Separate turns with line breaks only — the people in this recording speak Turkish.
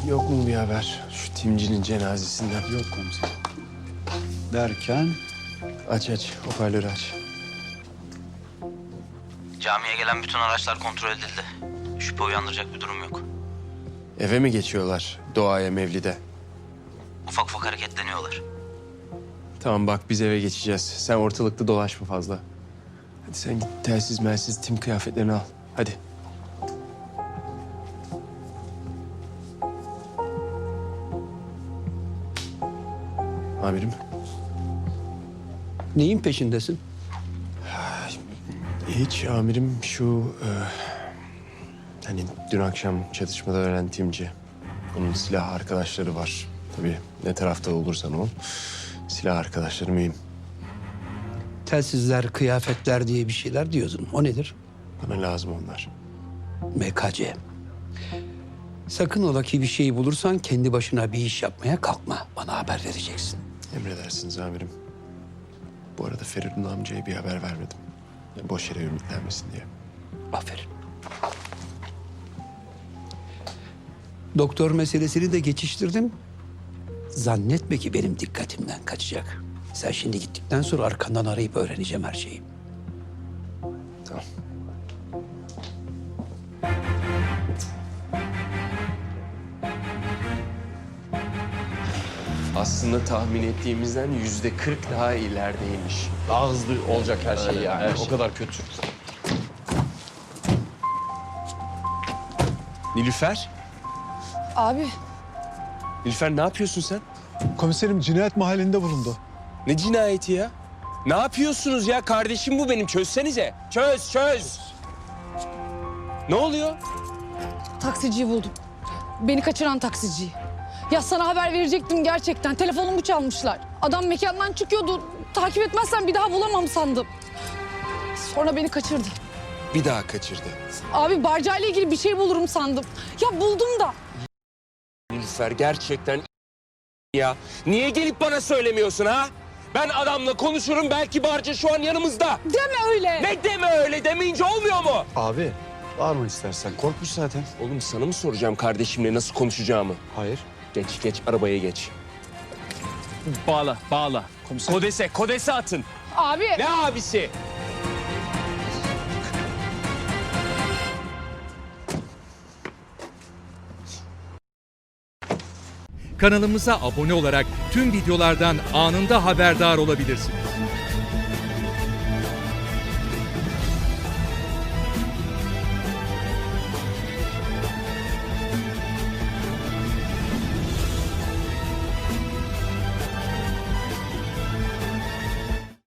yok mu bir haber? Şu Timci'nin cenazesinden.
Yok komiserim. Derken
Aç, hoparlörü aç.
Camiye gelen bütün araçlar kontrol edildi. Şüphe uyandıracak bir durum yok.
Eve mi geçiyorlar doğaya, mevlide?
Ufak ufak hareketleniyorlar.
Tamam bak, biz eve geçeceğiz. Sen ortalıkta dolaşma fazla. Hadi sen git telsiz melsiz tim kıyafetlerini al. Hadi. Amirim.
neyin peşindesin?
Hiç amirim, hani dün akşam çatışmada ölen timci. Onun silah arkadaşları var. Tabii ne tarafta olursan ol. Silah arkadaşları mühim.
Telsizler, kıyafetler diye bir şeyler diyordun. O nedir?
Bana lazım onlar.
MKC. Sakın ola ki bir şey bulursan kendi başına bir iş yapmaya kalkma. Bana haber vereceksin.
Emredersiniz amirim. Bu arada Feridun amcaya bir haber vermedim. Ya boş yere ümitlenmesin diye.
Aferin. Doktor meselesini de geçiştirdim. Zannetme ki benim dikkatimden kaçacak. Sen şimdi gittikten sonra arkandan arayıp öğreneceğim her şeyi.
Tamam. Aslında tahmin ettiğimizden %40 daha ilerideymiş.
Daha hızlı olacak her şey yani.
her şey.
O kadar kötü.
Nilüfer?
Abi
Nilüfer ne yapıyorsun sen?
Komiserim cinayet mahallinde bulundu.
Ne cinayeti ya? Ne yapıyorsunuz ya? Kardeşim bu benim. Çözsenize. Çöz. Ne oluyor?
taksiciyi buldum. Beni kaçıran taksiciyi. Ya sana haber verecektim gerçekten. Telefonumu çalmışlar. Adam mekandan çıkıyordu. Takip etmezsen bir daha bulamam sandım. Sonra beni kaçırdı.
Bir daha kaçırdı.
Abi barcayla ilgili bir şey bulurum sandım. Ya buldum da.
Nilüfer gerçekten ya. Niye gelip bana söylemiyorsun ha? Ben adamla konuşurum, belki Barca şu an yanımızda.
Deme öyle.
Ne deme öyle, demeyince olmuyor mu?
Abi bağırma istersen. Korkmuş zaten.
Oğlum sana mı soracağım kardeşimle nasıl konuşacağımı?
Hayır.
Geç arabaya geç. Bağla. Kodese atın.
Abi.
Ne abisi?
Kanalımıza abone olarak tüm videolardan anında haberdar olabilirsiniz.